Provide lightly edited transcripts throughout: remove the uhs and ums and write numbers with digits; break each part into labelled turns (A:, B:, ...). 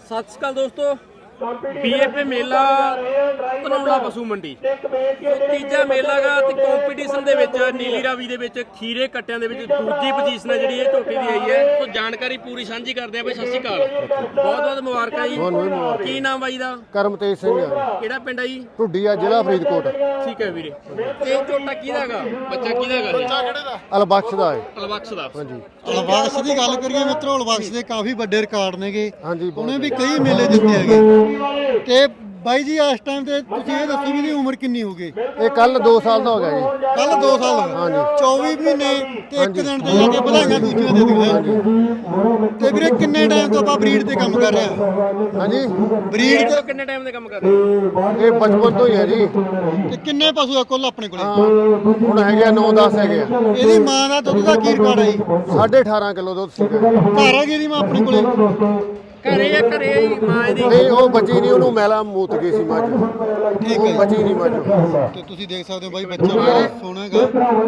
A: ਸਤਿ ਸ਼੍ਰੀ ਅਕਾਲ ਦੋਸਤੋ, BFA ਮੇਲਾ ਧਨੌਲਾ ਪਸ਼ੂ ਮੰਡੀ ਤੀਜਾ ਮੇਲਾ ਗਾ ਤੇ ਕੰਪੀਟੀਸ਼ਨ ਦੇ ਵਿੱਚ ਨੀਲੀ ਰਾਵੀ ਦੇ ਵਿੱਚ ਖੀਰੇ ਕੱਟਿਆਂ ਦੇ ਵਿੱਚ ਦੂਜੀ ਪੋਜੀਸ਼ਨ ਹੈ ਜਿਹੜੀ ਇਹ ਝੋਟੀ ਦੀ ਆਈ ਹੈ। ਸੋ ਜਾਣਕਾਰੀ ਪੂਰੀ ਸਾਂਝੀ ਕਰਦੇ ਆ ਬਈ। ਸਤਿ ਸ਼੍ਰੀ ਅਕਾਲ, ਬਹੁਤ ਬਹੁਤ ਮੁਬਾਰਕਾਂ ਜੀ। ਕੀ ਨਾਮ ਬਾਈ ਦਾ?
B: ਕਰਮਤੇਜ ਸਿੰਘ ਆ।
A: ਕਿਹੜਾ ਪਿੰਡ ਆ ਜੀ?
B: ਢੁੱਡੀ ਆ, ਜ਼ਿਲ੍ਹਾ ਫਰੀਦਕੋਟ।
A: ਠੀਕ ਹੈ ਵੀਰੇ। ਤੇ ਇਹ ਝੋਟਾ ਕਿਹਦਾ ਗਾ? ਬੱਚਾ ਕਿਹਦਾ ਗਾ? ਬੱਚਾ ਕਿਹੜੇ ਦਾ?
B: ਅਲਬਖਸ਼ ਦਾ ਹੈ।
A: ਅਲਬਖਸ਼ ਦਾ।
B: ਹਾਂਜੀ,
C: ਅਲਬਖਸ਼ ਦੀ ਗੱਲ ਕਰੀਏ ਮਿੱਤਰੋ, ਅਲਬਖਸ਼ ਦੇ ਕਾਫੀ ਵੱਡੇ ਰਿਕਾਰਡ ਨੇਗੇ।
B: ਹਾਂਜੀ,
C: ਉਹਨੇ ਵੀ ਕਈ ਮੇਲੇ ਜਿੱਤੇ ਹੈਗੇ। ਤੇ ਬਾਈ ਜੀ ਇਸ ਟਾਈਮ ਤੇ ਤੁਸੀਂ ਇਹ ਦੱਸੋ ਵੀ ਇਹਦੀ ਉਮਰ ਕਿੰਨੀ ਹੋ ਗਈ?
B: ਇਹ ਕੱਲ 2 ਸਾਲ ਦਾ ਹੋ ਗਿਆ ਜੀ।
C: ਕੱਲ 2 ਸਾਲ ਹੋ ਗਏ।
B: ਹਾਂਜੀ।
C: 24 ਮਹੀਨੇ ਤੇ 1 ਦਿਨ ਤੇ ਜਾ ਕੇ ਵਧਾਈਆਂ ਦੂਜੀਆਂ ਦੇ ਦਿਓ। ਤੇ ਵੀਰੇ ਕਿੰਨੇ ਟਾਈਮ ਤੋਂ ਆਪਾਂ ਬਰੀਡ ਤੇ ਕੰਮ ਕਰ ਰਹੇ ਹਾਂ?
B: ਹਾਂਜੀ,
A: ਬਰੀਡ ਤੋਂ ਕਿੰਨੇ ਟਾਈਮ ਦੇ ਕੰਮ ਕਰ ਰਹੇ?
B: ਇਹ ਬਚਪਨ ਤੋਂ ਹੀ ਹੈ ਜੀ।
C: ਤੇ ਕਿੰਨੇ ਪਸ਼ੂ ਆ ਕੁੱਲ ਆਪਣੇ ਕੋਲੇ?
B: ਹੁਣ ਹੈਗੇ ਆ 9-10 ਹੈਗੇ ਆ।
C: ਇਹਦੀ ਮਾਂ ਦਾ ਦੁੱਧ ਦਾ ਕੀ ਰਿਕਾਰਡ ਹੈ ਜੀ?
B: 18.5 ਕਿਲੋ ਦੁੱਧ ਸੀਗਾ।
C: ਘਰ ਹੈਗੀ ਇਹਦੀ ਮਾਂ ਆਪਣੇ ਕੋਲੇ?
A: ਘਰੇ ਆ, ਘਰੇ ਆ ਜੀ ਮਾਂ ਇਹਦੀ।
B: ਨਹੀਂ, ਉਹ ਬਚੀ ਨਹੀਂ, ਉਹਨੂੰ ਮੈਲਾ ਮੂਤ ਗਈ ਸੀ ਮੱਝ।
C: ਠੀਕ
B: ਉਹ
C: ਹੈ
B: ਬਚੀ ਨਹੀਂ ਮੱਝ।
C: ਤੇ ਤੁਸੀਂ ਦੇਖ ਸਕਦੇ ਹੋ ਬਾਈ, ਬੱਚਾ ਬਹੁਤ ਸੋਹਣਾ ਹੈਗਾ।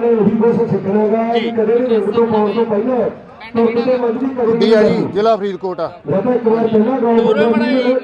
B: ਢੁੱਡੀ ਆ ਜੀ, ਜ਼ਿਲ੍ਹਾ ਫਰੀਦਕੋਟ ਆ।
A: ਦੂਰੋਂ ਬੜਾ ਜੀ।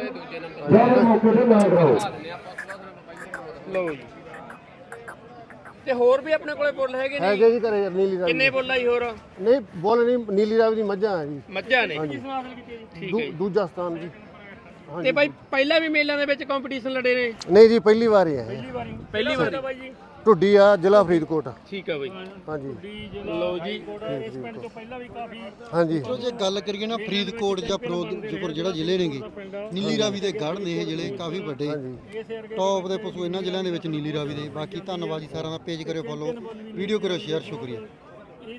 A: ਲਓ ਜੀ। ਤੇ ਹੋਰ ਵੀ ਆਪਣੇ ਕੋਲੇ ਬੁੱਲ ਹੈਗੇ ਨੇ?
B: ਹੈਗੇ ਜੀ ਘਰੇ ਨੀਲੀ ਰਾਵੀ।
A: ਕਿੰਨੇ ਬੁੱਲ ਆ ਜੀ ਹੋਰ?
B: ਨਹੀਂ, ਬੋਲ ਨਹੀਂ, ਨੀਲੀ ਰਾਵੀ ਦੀ ਮੱਝਾਂ ਆ ਜੀ।
A: ਮੱਝਾਂ ਨੇ। ਠੀਕ ਹੈ ਜੀ।
B: ਦੂਜਾ ਸਥਾਨ ਜੀ।
A: ਤੇ ਬਾਈ ਪਹਿਲਾਂ ਵੀ ਮੇਲਿਆਂ ਦੇ ਵਿੱਚ ਕੰਪੀਟੀਸ਼ਨ ਲੜੇ ਨੇ?
B: ਨਹੀਂ ਜੀ, ਪਹਿਲੀ ਵਾਰ ਹੀ ਹੈ।
A: ਪਹਿਲੀ ਵਾਰ ਬਾਈ ਜੀ।
B: ਢੁੱਡੀ ਆ, ਜ਼ਿਲ੍ਹਾ ਫਰੀਦਕੋਟ।
A: ਠੀਕ ਹੈ ਬਾਈ।
B: ਹਾਂਜੀ,
A: ਲਓ ਜੀ।
B: ਹਾਂਜੀ।
C: ਜੇ ਗੱਲ ਕਰੀਏ ਨਾ ਫਰੀਦਕੋਟ ਜਾਂ ਫਿਰੋਜ਼ਪੁਰ ਜਿਹੜਾ ਜ਼ਿਲ੍ਹੇ ਨੇਗੇ, ਨੀਲੀ ਰਾਵੀ ਦੇ ਗੜ੍ਹ ਨੇ ਇਹ ਜ਼ਿਲ੍ਹੇ ਕਾਫੀ ਵੱਡੇ ਟੌਪ ਦੇ ਪਸ਼ੂ ਇਹਨਾਂ ਜ਼ਿਲ੍ਹਿਆਂ ਦੇ ਵਿੱਚ ਨੀਲੀ ਰਾਵੀ ਦੇ। ਬਾਕੀ ਧੰਨਵਾਦ ਜੀ ਸਾਰਿਆਂ ਦਾ। ਪੇਜ ਕਰਿਓ ਫੋਲੋ, ਵੀਡੀਓ ਕਰਿਓ ਸ਼ੇਅਰ। ਸ਼ੁਕਰੀਆ।